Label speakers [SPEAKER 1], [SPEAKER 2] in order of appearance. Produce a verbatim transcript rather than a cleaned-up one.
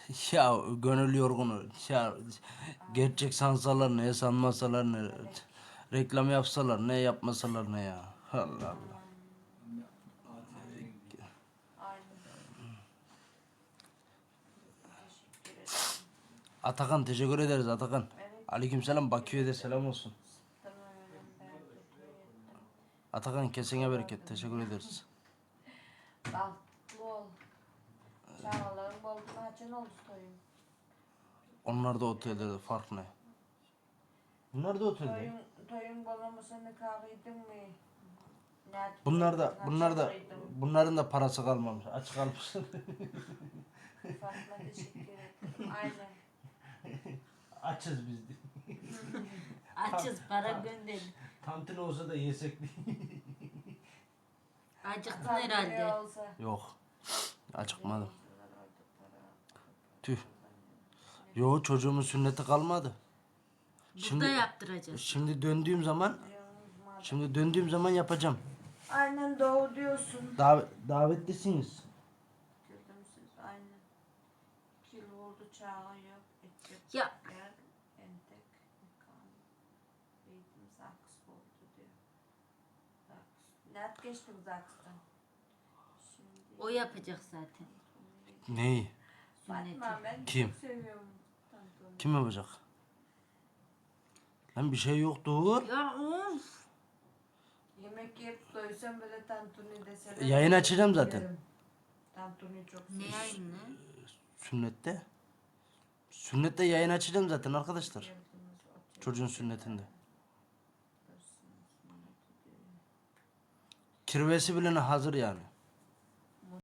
[SPEAKER 1] Ya gönül yorgunu. Ya gerçek sansalar ne, sanmasalar ne. Reklam yapsalar ne, yapmasalar ne ya. Allah Allah.
[SPEAKER 2] Aynen. Teşekkür ederim.
[SPEAKER 1] Atakan teşekkür ederiz Atakan.
[SPEAKER 2] Evet.
[SPEAKER 1] Aleykümselam, Bakü'ye de selam olsun.
[SPEAKER 2] Tamam öyle bereketli ettim.
[SPEAKER 1] Atakan kesene bereket, teşekkür ederiz.
[SPEAKER 2] Bahtlı ol. Çağlarım oldu mu açın oldu toyun.
[SPEAKER 1] Onlar da otelde, fark ne? Bunlar da otelde.
[SPEAKER 2] Toyun, toyun bolamasını kahveydin mi? Nerede
[SPEAKER 1] Bunlar da,
[SPEAKER 2] toyun
[SPEAKER 1] bunlar da,
[SPEAKER 2] kaçırdın?
[SPEAKER 1] bunların da parası kalmamış. Aç kalmış.
[SPEAKER 2] Fatma teşekkür ederim. Aynen.
[SPEAKER 1] Açız biz de.
[SPEAKER 3] Açız para gönderin.
[SPEAKER 1] Tantuni olsa da yesek.
[SPEAKER 3] Acıktın
[SPEAKER 2] Tam
[SPEAKER 3] herhalde.
[SPEAKER 2] biri olsa.
[SPEAKER 1] Yok. Acıkmadım. Tüh. Yo, çocuğumun sünneti kalmadı.
[SPEAKER 3] Burada
[SPEAKER 1] Şimdi-
[SPEAKER 3] yaptıracağız.
[SPEAKER 1] Şimdi döndüğüm zaman, şimdi döndüğüm zaman yapacağım.
[SPEAKER 2] Aynen doğru diyorsun.
[SPEAKER 1] Davet, davetlisiniz.
[SPEAKER 2] Gördüm siz aynen. Kil oldu çağı yok. Edecek
[SPEAKER 3] Ya.
[SPEAKER 2] yer, entek, mekan. Eğitim zaks oldu diyor. Zaks. Nerede geçtik zakstan? Şimdi.
[SPEAKER 3] O yapacak zaten.
[SPEAKER 1] Neyi?
[SPEAKER 2] Fatma ben
[SPEAKER 1] Kim?
[SPEAKER 2] çok seviyorum. Tantuni.
[SPEAKER 1] Kim yapacak? Lan bir şey yok, dur.
[SPEAKER 3] Ya of.
[SPEAKER 2] Yemek yiyip doysam böyle tantuni deseler.
[SPEAKER 1] Yayın açacağım zaten.
[SPEAKER 2] yerim. Tantuni çok
[SPEAKER 3] Ne
[SPEAKER 2] seviyorum.
[SPEAKER 3] yayın ne?
[SPEAKER 1] Sünnette. Sünnette yayın açacağım zaten arkadaşlar.
[SPEAKER 2] Geldiniz, otur.
[SPEAKER 1] Çocuğun sünnetinde.
[SPEAKER 2] Sünneti diyor.
[SPEAKER 1] Kirvesi bile hazır yani.